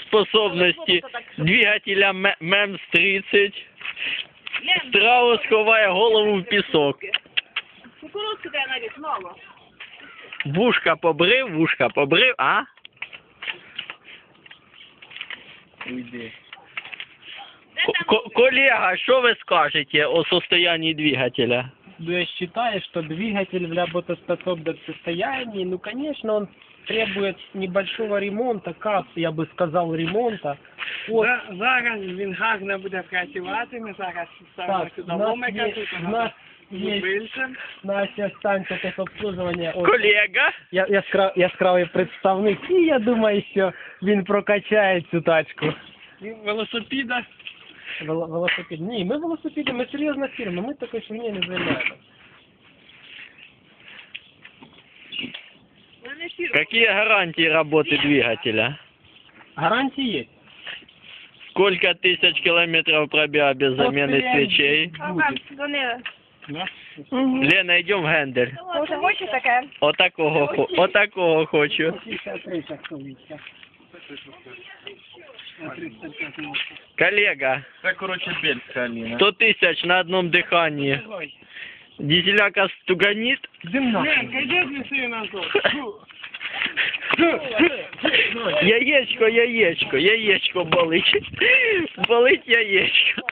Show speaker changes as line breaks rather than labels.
способності двигателя МЕМС-30. Страус ховає голову в пісок.
Кукурудзку треба навіть мало.
Вушка побрив, а?
Уйди.
Коллега, что вы скажете о состоянии двигателя?
Ну, я считаю, что двигатель в работоспособном состоянии, ну, конечно, он требует небольшого ремонта, я бы сказал, ремонта. От...
Зараз він гарно буде працювати, ми зараз ставимо
Так,
сюди
у нас
ломика,
є-
тут
у нас є-
більше.
Наша станція техобслуживання. От,
Коллега?
яскравий представник, і я думаю, що він прокачає цю тачку.
Велосипіда.
Велосипед. Ні, ми велосипеди, ми серйозна фірма, ми такою фігнею не займаємося.
Какие гарантии работы двигателя?
Гарантії є.
Сколько тысяч километров пробега без замены свечей?
Ага, дзвонили.
Лена, идем в Гендель.
Може, хоче таке?
Отакого хочу.
53 часовиця.
Коллега,
Це, коротше, бельська Аліна.
100 тысяч на одном дыхании. Дизеляка стуганит?
Димна.
Ні, кайде неси назад.
Яєчко болить. Болить яєчко.